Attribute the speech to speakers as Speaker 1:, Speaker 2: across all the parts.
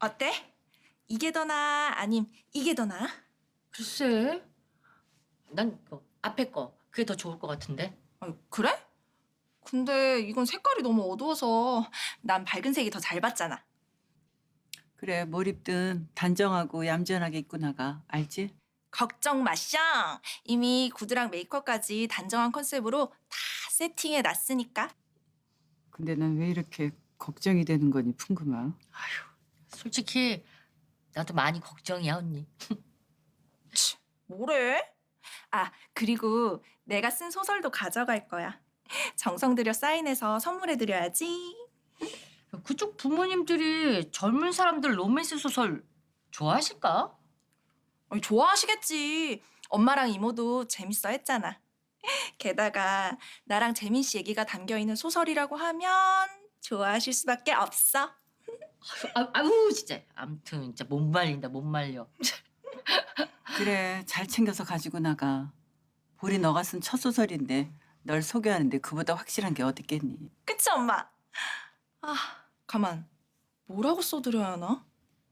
Speaker 1: 어때? 이게 더 나아? 아님 이게 더 나아?
Speaker 2: 글쎄, 난 앞에 거 그게 더 좋을 것 같은데.
Speaker 1: 그래? 근데 이건 색깔이 너무 어두워서 난 밝은 색이 더 잘 받잖아.
Speaker 3: 그래, 뭘 입든 단정하고 얌전하게 입고 나가. 알지?
Speaker 1: 걱정 마쇼. 이미 구두랑 메이크업까지 단정한 컨셉으로 다 세팅해 놨으니까.
Speaker 3: 근데 난 왜 이렇게 걱정이 되는 거니, 풍금아?
Speaker 2: 솔직히 나도 많이 걱정이야, 언니.
Speaker 1: 치, 뭐래? 아, 그리고 내가 쓴 소설도 가져갈 거야. 정성 들여 사인해서 선물해 드려야지.
Speaker 2: 그쪽 부모님들이 젊은 사람들 로맨스 소설 좋아하실까?
Speaker 1: 아니, 좋아하시겠지. 엄마랑 이모도 재밌어 했잖아. 게다가 나랑 재민 씨 얘기가 담겨 있는 소설이라고 하면 좋아하실 수밖에 없어.
Speaker 2: 아우 진짜. 아무튼 진짜 못 말린다, 못 말려.
Speaker 3: 그래, 잘 챙겨서 가지고 나가. 볼이 너가 쓴 첫 소설인데 널 소개하는데 그보다 확실한 게 어딨겠니?
Speaker 1: 그치, 엄마? 아, 가만. 뭐라고 써드려야 하나?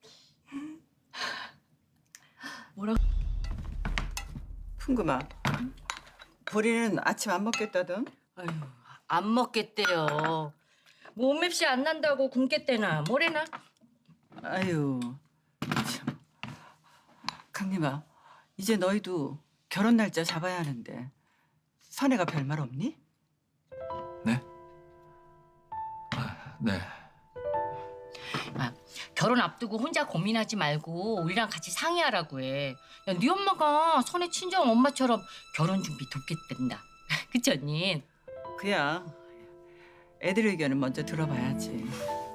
Speaker 3: 풍금아, 보리는 아침 안 먹겠다던?
Speaker 2: 아유, 안 먹겠대요. 몸맵시 안 난다고 굶겠대나 뭐래나?
Speaker 3: 아유, 참. 강림아, 이제 너희도 결혼 날짜 잡아야 하는데 선혜가 별말 없니?
Speaker 4: 네? 네.
Speaker 2: 아, 결혼 앞두고 혼자 고민하지 말고 우리랑 같이 상의하라고 해. 야, 네 엄마가 선의 친정 엄마처럼 결혼 준비 돕겠단다. 그치 언니?
Speaker 3: 그야 애들 의견은 먼저 들어봐야지.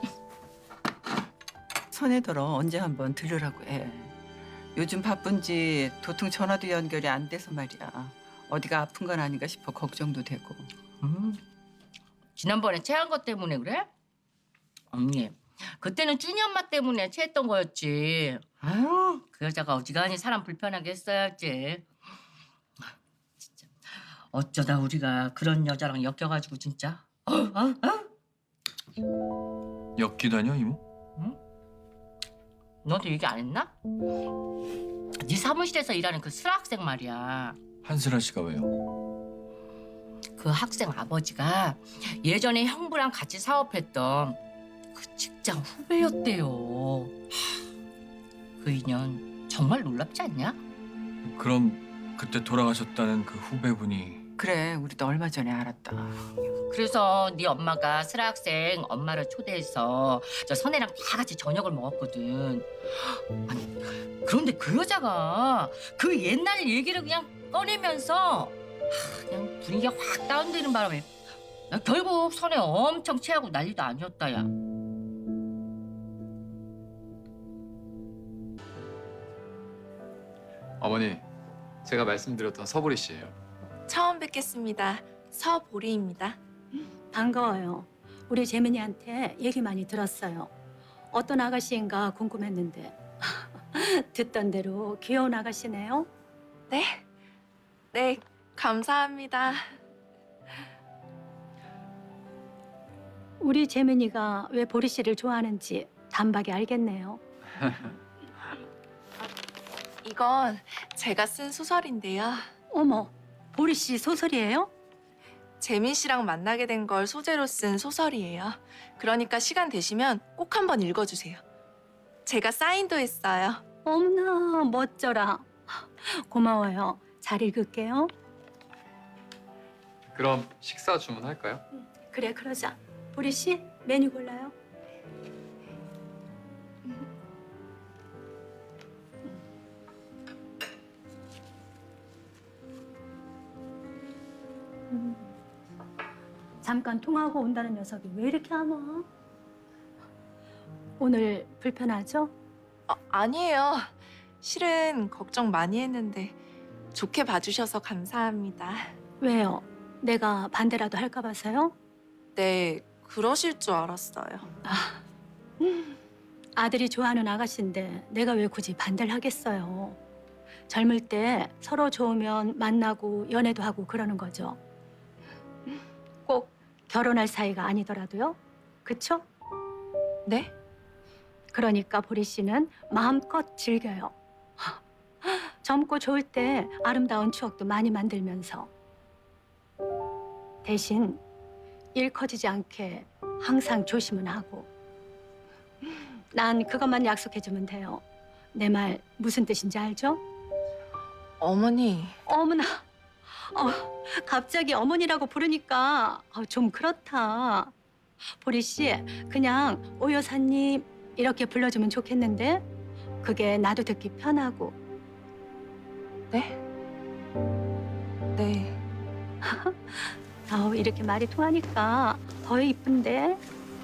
Speaker 3: 선혜더러 언제 한번 들으라고 해. 요즘 바쁜지 도통 전화도 연결이 안 돼서 말이야. 어디가 아픈 건 아닌가 싶어 걱정도 되고.
Speaker 2: 지난번에 체한 것 때문에 그래? 언니, 그때는 쭈니 엄마 때문에 체했던 거였지. 아유, 그 여자가 어지간히 사람 불편하게 했어야지. 진짜 어쩌다 우리가 그런 여자랑 엮여가지고 진짜.
Speaker 4: 엮기다녀 이모?
Speaker 2: 너도 얘기 안 했나? 네 사무실에서 일하는 그 슬아 학생 말이야.
Speaker 4: 한슬아 씨가 왜요?
Speaker 2: 그 학생 아버지가 예전에 형부랑 같이 사업했던 그 직장 후배였대요. 그 인연 정말 놀랍지 않냐?
Speaker 4: 그럼 그때 돌아가셨다는 그 후배분이
Speaker 3: 그래, 우리도 얼마 전에 알았다.
Speaker 2: 그래서 네 엄마가 슬아 학생 엄마를 초대해서 저 선혜랑 다 같이 저녁을 먹었거든. 아니, 그런데 그 여자가 그 옛날 얘기를 그냥 꺼내면서 그냥 분위기가 확 다운되는 바람에 야, 결국 선혜 엄청 체하고 난리도 아니었다, 야.
Speaker 5: 어머니, 제가 말씀드렸던 서보리 씨예요.
Speaker 1: 처음 뵙겠습니다. 서보리입니다.
Speaker 6: 반가워요. 우리 재민이한테 얘기 많이 들었어요. 어떤 아가씨인가 궁금했는데 듣던 대로 귀여운 아가씨네요.
Speaker 1: 네. 네, 감사합니다.
Speaker 6: 우리 재민이가 왜 보리 씨를 좋아하는지 단박에 알겠네요.
Speaker 1: 이건 제가 쓴 소설인데요.
Speaker 6: 어머, 보리 씨 소설이에요?
Speaker 1: 재민 씨랑 만나게 된 걸 소재로 쓴 소설이에요. 그러니까 시간 되시면 꼭 한번 읽어주세요. 제가 사인도 했어요.
Speaker 6: 어머나 멋져라. 고마워요. 잘 읽을게요.
Speaker 5: 그럼 식사 주문할까요?
Speaker 6: 그래 그러자. 보리 씨 메뉴 골라요. 잠깐 통화하고 온다는 녀석이 왜 이렇게 안 와? 오늘 불편하죠?
Speaker 1: 아니에요. 실은 걱정 많이 했는데 좋게 봐주셔서 감사합니다.
Speaker 6: 왜요? 내가 반대라도 할까 봐서요?
Speaker 1: 네, 그러실 줄 알았어요.
Speaker 6: 아들이 좋아하는 아가씨인데 내가 왜 굳이 반대를 하겠어요. 젊을 때 서로 좋으면 만나고 연애도 하고 그러는 거죠. 꼭 결혼할 사이가 아니더라도요. 그쵸?
Speaker 1: 네?
Speaker 6: 그러니까 보리 씨는 마음껏 즐겨요. 젊고 좋을 때 아름다운 추억도 많이 만들면서 대신 일 커지지 않게 항상 조심은 하고. 난 그것만 약속해주면 돼요. 내 말 무슨 뜻인지 알죠?
Speaker 1: 어머니.
Speaker 6: 어머나, 갑자기 어머니라고 부르니까 좀 그렇다. 보리 씨, 그냥 오 여사님 이렇게 불러주면 좋겠는데 그게 나도 듣기 편하고.
Speaker 1: 네? 네.
Speaker 6: 이렇게 말이 통하니까 더 이쁜데.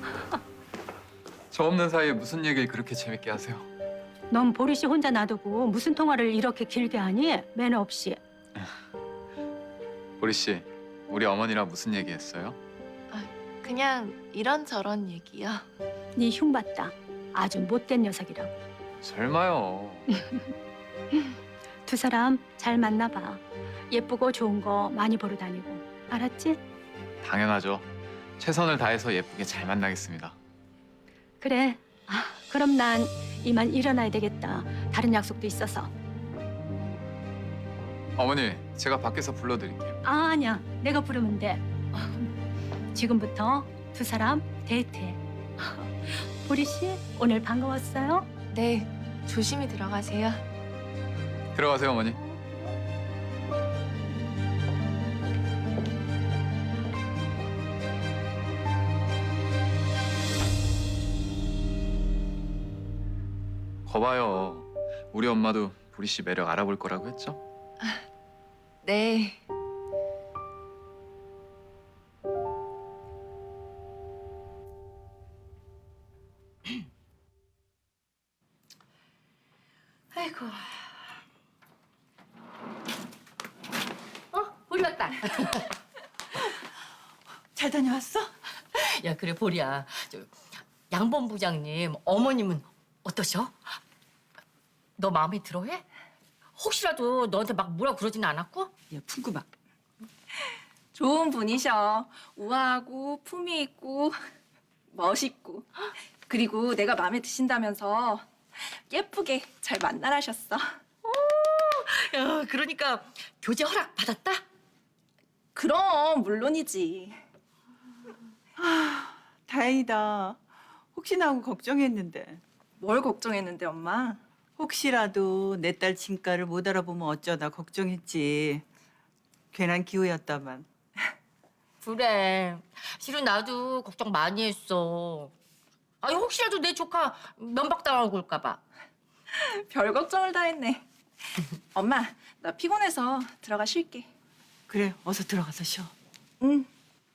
Speaker 5: 저 없는 사이에 무슨 얘기를 그렇게 재밌게 하세요?
Speaker 6: 넌 보리 씨 혼자 놔두고 무슨 통화를 이렇게 길게 하니? 매너 없이.
Speaker 5: 보리 씨, 우리 어머니랑 무슨 얘기했어요?
Speaker 7: 그냥 이런저런 얘기요.
Speaker 6: 네 흉봤다. 아주 못된 녀석이라고.
Speaker 5: 설마요.
Speaker 6: 두 사람 잘 만나봐. 예쁘고 좋은 거 많이 보러 다니고. 알았지?
Speaker 5: 당연하죠. 최선을 다해서 예쁘게 잘 만나겠습니다.
Speaker 6: 그래. 그럼 난 이만 일어나야 되겠다. 다른 약속도 있어서.
Speaker 5: 어머니, 제가 밖에서 불러드릴게요.
Speaker 6: 아니야. 내가 부르면 돼. 지금부터 두 사람 데이트해. 보리 씨, 오늘 반가웠어요?
Speaker 7: 네, 조심히 들어가세요.
Speaker 5: 들어가세요, 어머니. 거봐요. 우리 엄마도 보리 씨 매력 알아볼 거라고 했죠?
Speaker 7: 네.
Speaker 2: 아이고. 보리 왔다.
Speaker 3: 잘 다녀왔어?
Speaker 2: 야, 그래 보리야. 양본 부장님 어머님은 어떠셔? 너 마음에 들어해? 혹시라도 너한테 막 뭐라 그러진 않았고?
Speaker 3: 야, 풍구막.
Speaker 1: 좋은 분이셔. 우아하고 품위 있고 멋있고. 그리고 내가 마음에 드신다면서 예쁘게 잘 만나라셨어.
Speaker 2: 야, 그러니까 교제 허락 받았다?
Speaker 1: 그럼 물론이지.
Speaker 3: 다행이다. 혹시나 하고 걱정했는데.
Speaker 1: 뭘 걱정했는데 엄마?
Speaker 3: 혹시라도 내 딸 진가를 못 알아보면 어쩌다 걱정했지. 괜한 기호였다만.
Speaker 2: 그래. 실은 나도 걱정 많이 했어. 아니 혹시라도 내 조카 면박당하고 올까 봐.
Speaker 1: 별 걱정을 다 했네. 엄마, 나 피곤해서 들어가 쉴게.
Speaker 3: 그래, 어서 들어가서 쉬어.
Speaker 1: 응.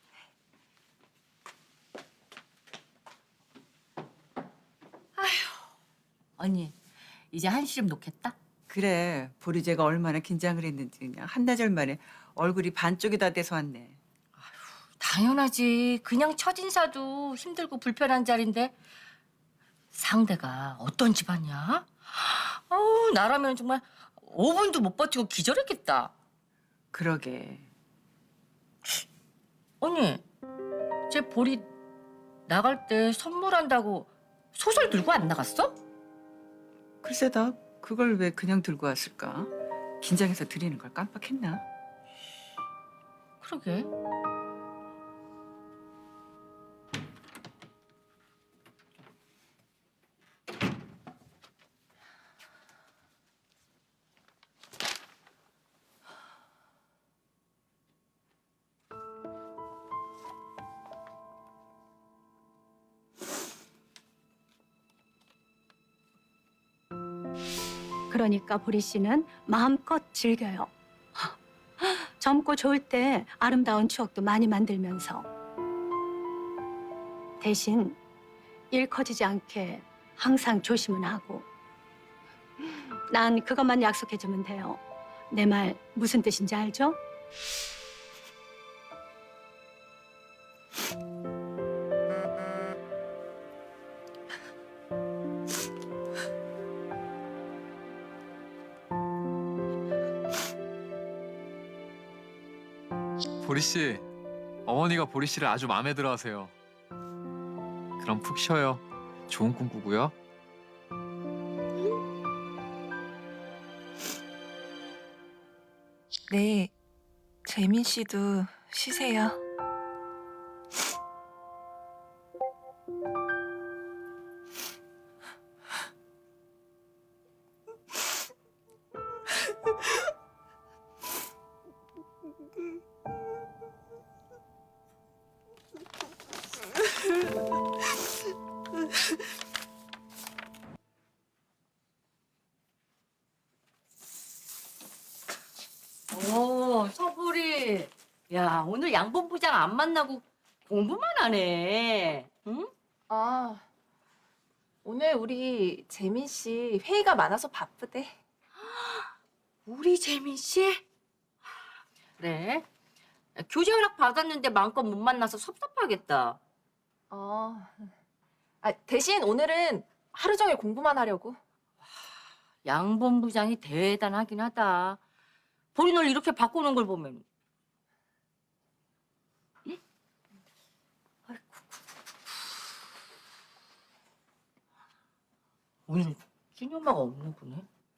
Speaker 2: 언니, 이제 한시름 놓겠다?
Speaker 3: 그래, 보리제가 얼마나 긴장을 했는지 그냥 한나절 만에 얼굴이 반쪽이 다 돼서 왔네.
Speaker 2: 당연하지. 그냥 첫인사도 힘들고 불편한 자리인데 상대가 어떤 집안이야? 나라면 정말 5분도 못 버티고 기절했겠다.
Speaker 3: 그러게.
Speaker 2: 언니, 쟤 보리 나갈 때 선물한다고 소설 들고 안 나갔어?
Speaker 3: 글쎄 다 그걸 왜 그냥 들고 왔을까? 긴장해서 드리는 걸 깜빡했나?
Speaker 2: 그러게.
Speaker 6: 그러니까 보리 씨는 마음껏 즐겨요. 젊고 좋을 때 아름다운 추억도 많이 만들면서 대신 일 커지지 않게 항상 조심은 하고. 난 그것만 약속해주면 돼요. 내 말 무슨 뜻인지 알죠?
Speaker 5: 보리 씨, 어머니가 보리 씨를 아주 마음에 들어하세요. 그럼 푹 쉬어요. 좋은 꿈 꾸고요.
Speaker 1: 네, 재민 씨도 쉬세요.
Speaker 2: 오, 서보리. 야, 오늘 양본부장 안 만나고 공부만 하네. 응?
Speaker 7: 아, 오늘 우리 재민 씨 회의가 많아서 바쁘대.
Speaker 2: 우리 재민 씨? 그래. 교제 허락 받았는데 마음껏 못 만나서 섭섭하겠다.
Speaker 7: 대신 오늘은 하루 종일 공부만 하려고.
Speaker 2: 양본부장이 대단하긴 하다. 보리 널 이렇게 바꾸는 걸 보면. 응? 아이고. 오늘 준이 엄마가 없나 보네.